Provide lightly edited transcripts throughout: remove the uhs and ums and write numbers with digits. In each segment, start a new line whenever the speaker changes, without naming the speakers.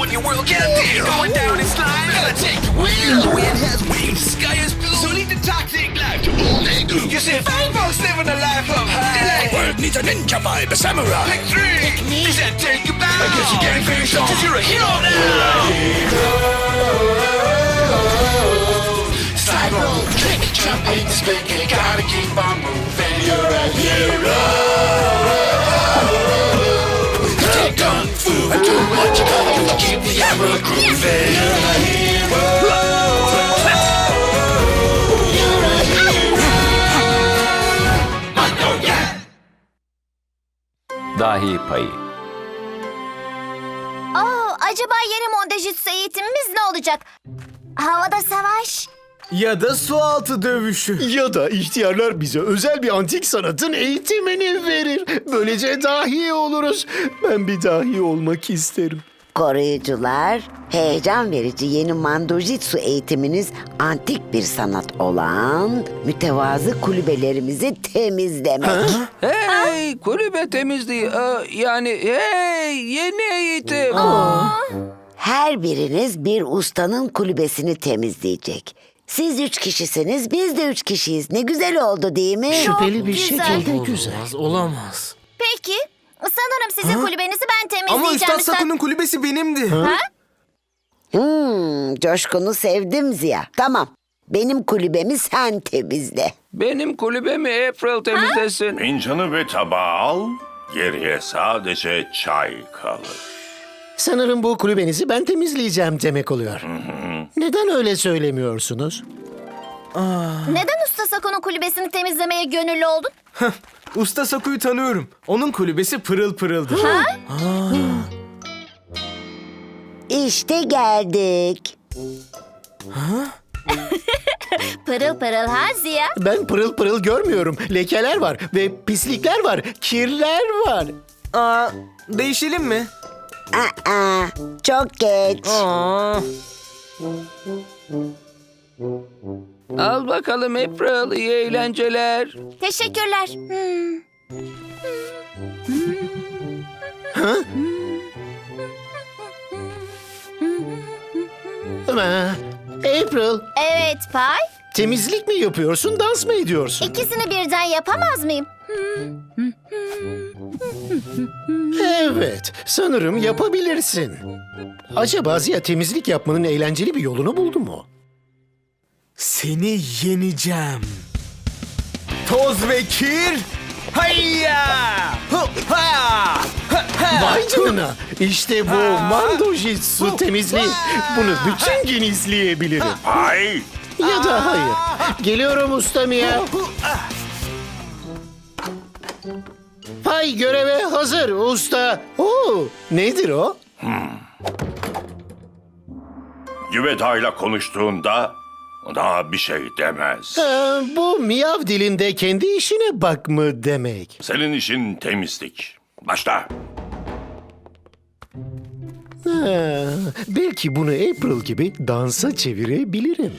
on your world, get a deal. Going down in slime, gotta take the wheel. The wind has wings, the sky is blue. So lead the toxic life to all they do. You see fine folks living a life of high. The world needs a ninja vibe, a samurai. Pick three. Pick me. He said take you back. I guess you can't finish off, cause you're a hero now. Slide roll, trick, jump, hit, spin, you gotta keep on moving. You're a hero. Take kung fu and do what you gotta do to keep the arrow grooving. You're a hero. You're a hero. Magnolia.
Dahi payı.
Acaba yeni mondajitsu eğitimimiz ne olacak? Havada savaş.
Ya da sualtı dövüşü.
Ya da ihtiyarlar bize özel bir antik sanatın eğitimini verir. Böylece dahi oluruz. Ben bir dahi olmak isterim.
Koruyucular, heyecan verici yeni mandojitsu eğitiminiz antik bir sanat olan mütevazı kulübelerimizi temizlemek.
Hey, kulübe temizliği. Yeni eğitim.
Her biriniz bir ustanın kulübesini temizleyecek. Siz 3 kişisiniz, biz de 3 kişiyiz. Ne güzel oldu değil mi?
Şüpheli bir
güzel.
şekilde güzel.
Olamaz.
Peki. Sanırım sizin kulübenizi ben temizleyeceğim.
Ama Üstad
Sen-
Saku'nun kulübesi benimdi.
Coşkunu sevdim Ziya. Tamam, benim kulübemi sen temizle.
Benim kulübemi April temizlesin.
Fincanı ve tabağı al, geriye sadece çay kalır.
Sanırım bu kulübenizi ben temizleyeceğim demek oluyor. Neden öyle söylemiyorsunuz?
Neden Usta Sako'nun kulübesini temizlemeye gönüllü oldun?
Usta Saku'yu tanıyorum. Onun kulübesi pırıl pırıldır.
İşte geldik.
Pırıl pırıl ha Ziya?
Ben pırıl pırıl görmüyorum. Lekeler var ve pislikler var, kirler var.
Değişelim mi?
Aa, çok geç.
Al bakalım April, iyi eğlenceler.
Teşekkürler.
April,
Evet Pay.
temizlik mi yapıyorsun, dans mı ediyorsun?
İkisini birden yapamaz mıyım?
Evet, sanırım yapabilirsin. Acaba Ziya temizlik yapmanın eğlenceli bir yolunu buldu mu?
Seni yeneceğim. Toz ve kir. Hayya! Hu, ha! Ha, ha!
Vay canına, işte bu mandojitsu temizliği. Bunu bütün gün izleyebilirim.
Ay!
Ya da hayır. Geliyorum usta Mia. Pay göreve hazır usta. Oo, nedir o?
Güveda'yla konuştuğunda daha bir şey demez.
Bu miyav dilinde kendi işine bak mı demek?
Senin işin temizlik. Başla.
Belki bunu April gibi dansa çevirebilirim.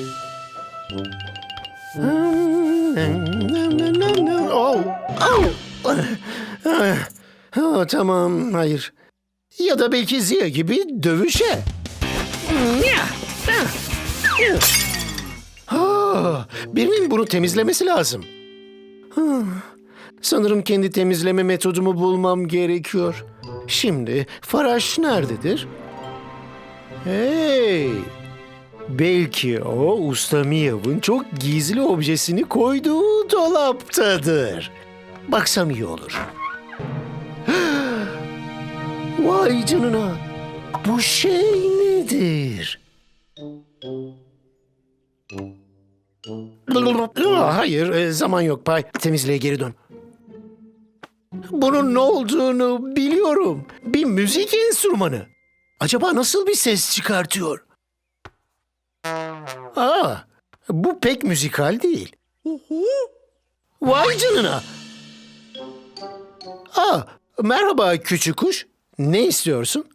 Oh, tamam, hayır. Ya da belki Ziya gibi dövüşe. Birinin bunu temizlemesi lazım. Sanırım kendi temizleme metodumu bulmam gerekiyor. Şimdi Faraş nerededir? Hey! Belki o Usta Miyav'ın çok gizli objesini koyduğu dolaptadır. Baksam iyi olur. Vay canına! Bu şey nedir? Hayır, zaman yok Pay. Temizliğe geri dön. Bunun ne olduğunu biliyorum. Bir müzik enstrümanı. Acaba nasıl bir ses çıkartıyor? Bu pek müzikal değil. Vay canına. Merhaba küçük kuş. Ne istiyorsun?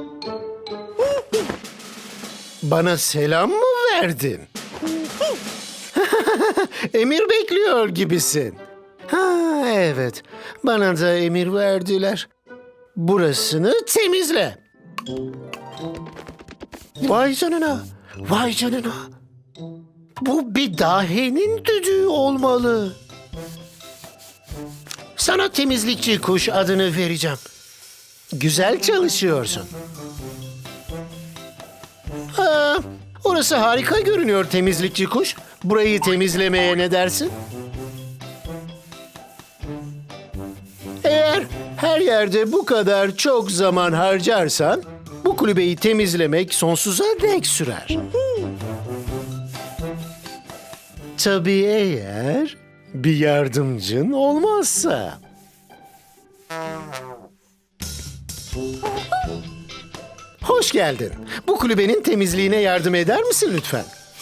Bana selam mı verdin? Emir bekliyor gibisin. Evet, bana da emir verdiler. Burasını temizle. Vay canına, vay canına. Bu bir dahi'nin düdüğü olmalı. Sana temizlikçi kuş adını vereceğim. Güzel çalışıyorsun. Orası harika görünüyor temizlikçi kuş. Burayı temizlemeye ne dersin? Eğer her yerde bu kadar çok zaman harcarsan, bu kulübeyi temizlemek sonsuza dek sürer. Tabii eğer bir yardımcın olmazsa. Hoş geldin. Bu kulübenin temizliğine yardım eder misin lütfen?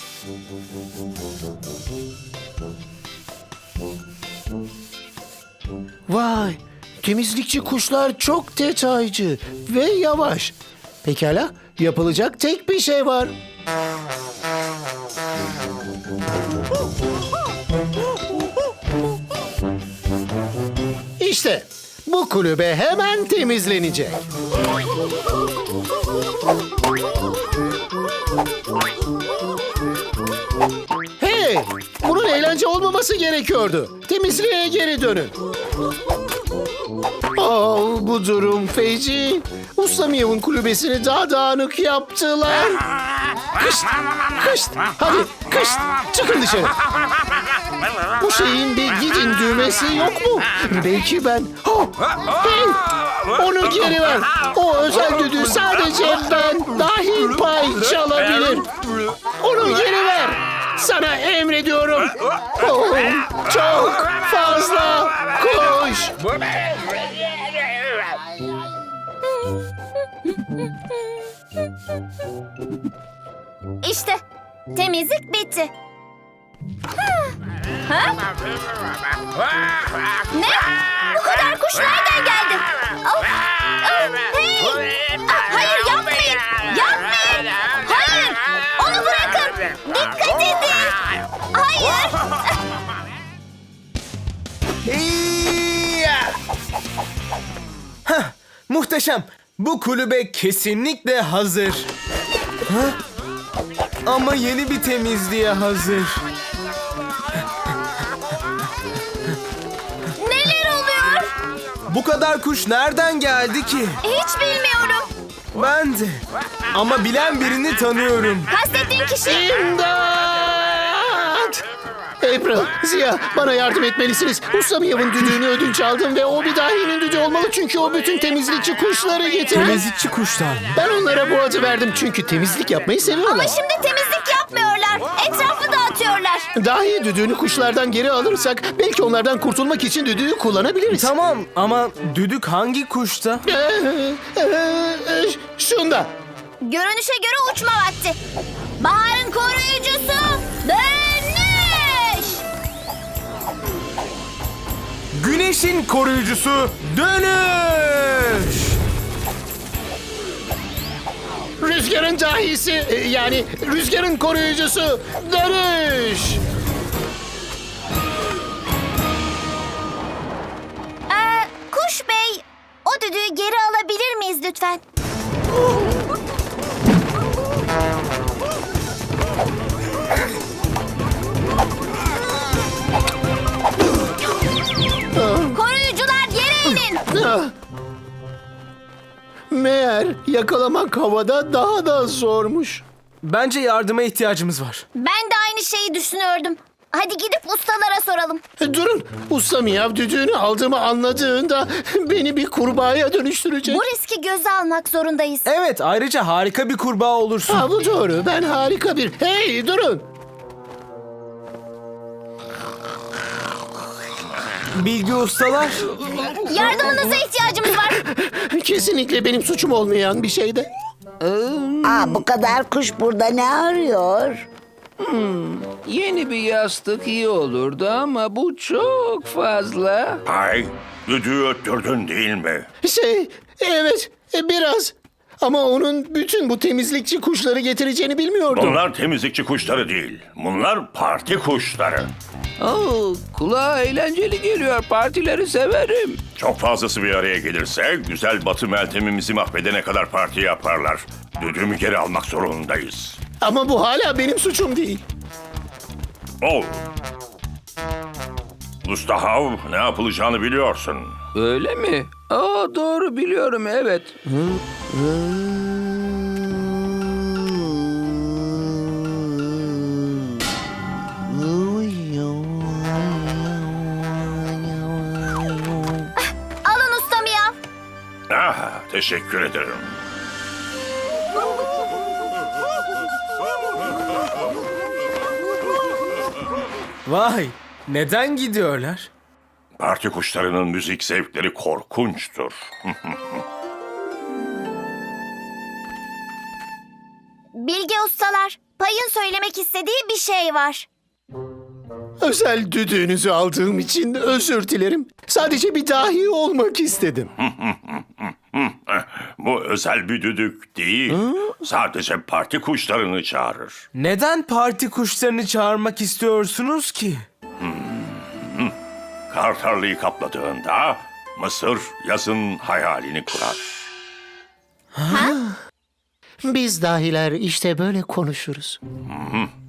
Vay, temizlikçi kuşlar çok detaycı ve yavaş. Pekala, yapılacak tek bir şey var. İşte bu kulübe hemen temizlenecek. Hey, bunun eğlence olmaması gerekiyordu. Temizliğe geri dönün. Oh, bu durum feci. Ustamiyev'in kulübesini daha dağınık yaptılar. Kışt, kışt, hadi kışt, çıkın dışarı. Bu şeyin bir gidin düğmesi yok mu? Belki ben... Oh, hey, onu geri ver. O özel düdüğü sadece ben dahil pay çalabilir. Onu geri ver. Sana emrediyorum. Oh, çok fazla koş.
İşte temizlik bitti. Ha? Ne? Bu kadar kuş nereden geldi? Oh, oh, hey! Hayır yapmayın! Yapmayın! Hayır! Onu bırakın! Dikkat edin! Hayır!
Hiyya! Hah, muhteşem. Bu kulübe kesinlikle hazır. Ha? Ama yeni bir temizliğe hazır.
Neler oluyor?
Bu kadar kuş nereden geldi ki?
Hiç bilmiyorum.
Ben de. Ama bilen birini tanıyorum.
Kastettiğin kişi...
İmdat! April, Ziya, bana yardım etmelisiniz. Ustamiyev'in düdüğünü ödünç aldım ve o bir dahinin düdüğü olmalı çünkü o bütün temizlikçi kuşları getirdi.
Temizlikçi kuşlar mı?
Ben onlara bu adı verdim çünkü temizlik yapmayı seviyorlar.
Ama şimdi temizlik yapmıyorlar. Etrafı dağıtıyorlar.
Dahi düdüğünü kuşlardan geri alırsak belki onlardan kurtulmak için düdüğü kullanabiliriz.
Tamam ama düdük hangi kuşta?
Şunda.
Görünüşe göre uçma vakti. Baharın koruyucusu dönüş.
Güneşin koruyucusu dönüş.
Rüzgarın dahisi yani rüzgarın koruyucusu dönüş.
Kuş Bey, o düdüğü geri alabilir miyiz lütfen? Koruyucular yere inin.
Ah. Meğer yakalamak havada daha da zormuş.
Bence yardıma ihtiyacımız var.
Ben de aynı şeyi düşünüyordum. Hadi gidip ustalara soralım.
Durun, usta Miyav düdüğünü aldığımı anladığında beni bir kurbağaya dönüştürecek.
Bu riski göze almak zorundayız.
Evet, ayrıca harika bir kurbağa olursun.
Ha, bu doğru, ben harika bir... Hey, durun!
Bilgi ustalar.
Yardımınıza ihtiyacımız var.
Kesinlikle benim suçum olmayan bir şeyde.
Bu kadar kuş burada ne arıyor?
Yeni bir yastık iyi olurdu ama bu çok fazla.
Pay, düdüğü öttürdün değil mi?
Evet, biraz. Ama onun bütün bu temizlikçi kuşları getireceğini bilmiyordum.
Bunlar temizlikçi kuşları değil. Bunlar parti kuşları.
Kulağa eğlenceli geliyor. Partileri severim.
Çok fazlası bir araya gelirse güzel Batı Meltem'imizi mahvedene kadar parti yaparlar. Düdüğümü geri almak zorundayız.
Ama bu hala benim suçum değil.
Ol. Usta Hav, ne yapılacağını biliyorsun.
Öyle mi? Doğru biliyorum, evet.
Alın usta Miyav.
Teşekkür ederim.
Vay, neden gidiyorlar?
Parti kuşlarının müzik zevkleri korkunçtur.
Bilge ustalar, Pay'ın söylemek istediği bir şey var.
Özel düdüğünüzü aldığım için özür dilerim. Sadece bir dahi olmak istedim.
Bu özel bir düdük değil. Sadece parti kuşlarını çağırır.
Neden parti kuşlarını çağırmak istiyorsunuz ki?
Kar tarlayı kapladığında Mısır yazın hayalini kurar.
Biz dahiler işte böyle konuşuruz.